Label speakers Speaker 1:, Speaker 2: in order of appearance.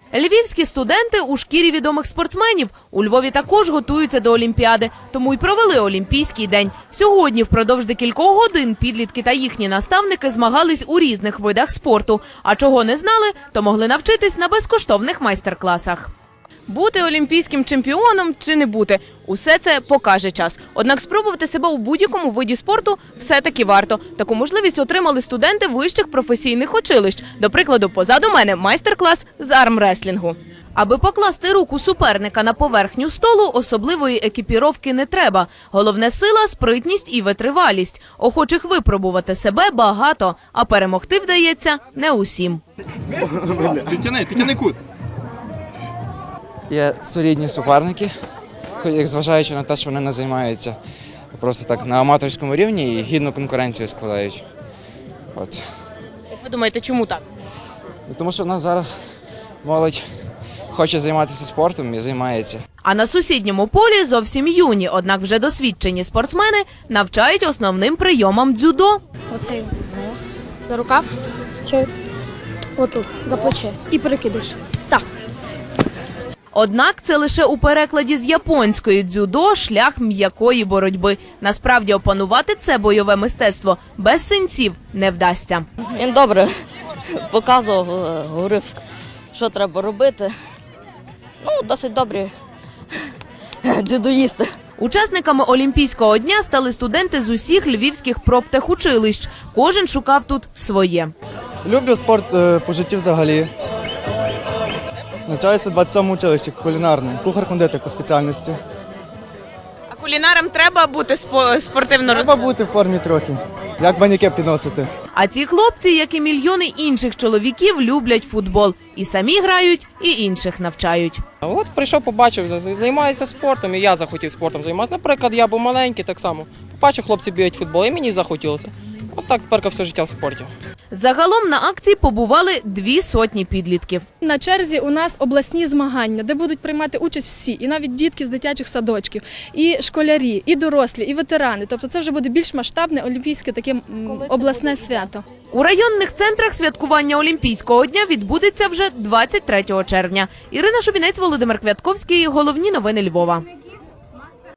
Speaker 1: Львівські студенти у шкірі відомих спортсменів. У Львові також готуються до Олімпіади, тому й провели Олімпійський день. Сьогодні впродовж декількох годин підлітки та їхні наставники змагались у різних видах спорту. А чого не знали, то могли навчитись на безкоштовних майстер-класах. Бути олімпійським чемпіоном чи не бути – усе це покаже час. Однак спробувати себе у будь-якому виді спорту все-таки варто. Таку можливість отримали студенти вищих професійних училищ. До прикладу, позаду мене майстер-клас з армреслінгу. Аби покласти руку суперника на поверхню столу, особливої екіпіровки не треба. Головне – сила, спритність і витривалість. Охочих випробувати себе багато, а перемогти вдається не усім.
Speaker 2: Підтяни кут.
Speaker 3: Є солідні суперники, як зважаючи на те, що вони не займаються просто так на аматорському рівні і гідну конкуренцію складають. От.
Speaker 1: Як ви думаєте, чому так?
Speaker 3: Тому що в нас зараз молодь хоче займатися спортом і займається.
Speaker 1: А на сусідньому полі зовсім юні, однак вже досвідчені спортсмени навчають основним прийомам дзюдо.
Speaker 4: Оцей за рукав, цей отут, за плече і перекидиш. Так.
Speaker 1: Однак це лише у перекладі з японської дзюдо – шлях м'якої боротьби. Насправді опанувати це бойове мистецтво без синців не вдасться.
Speaker 5: Він добре показував, говорив, що треба робити. Досить добрі дзюдоїсти.
Speaker 1: Учасниками Олімпійського дня стали студенти з усіх львівських профтехучилищ. Кожен шукав тут своє.
Speaker 6: Люблю спорт по житті взагалі. Навчаюся в 27-му училищі кулінарне, кухар-кондитер по спеціальності.
Speaker 1: А кулінарам треба бути спортивно
Speaker 6: Треба бути в формі трохи, як баняки підносити.
Speaker 1: А ці хлопці, як і мільйони інших чоловіків, люблять футбол. І самі грають, і інших навчають.
Speaker 7: От прийшов, побачив, займаються спортом, і я захотів спортом займатися. Наприклад, я був маленький так само. Побачив, хлопці бігають в футбол, і мені захотілося. От так тепер все життя в спорті.
Speaker 1: Загалом на акції побували 200 підлітків.
Speaker 4: На черзі у нас обласні змагання, де будуть приймати участь всі, і навіть дітки з дитячих садочків, і школярі, і дорослі, і ветерани. Тобто це вже буде більш масштабне олімпійське таке обласне свято.
Speaker 1: У районних центрах святкування Олімпійського дня відбудеться вже 23 червня. Ірина Шубінець, Володимир Квятковський. Головні новини Львова.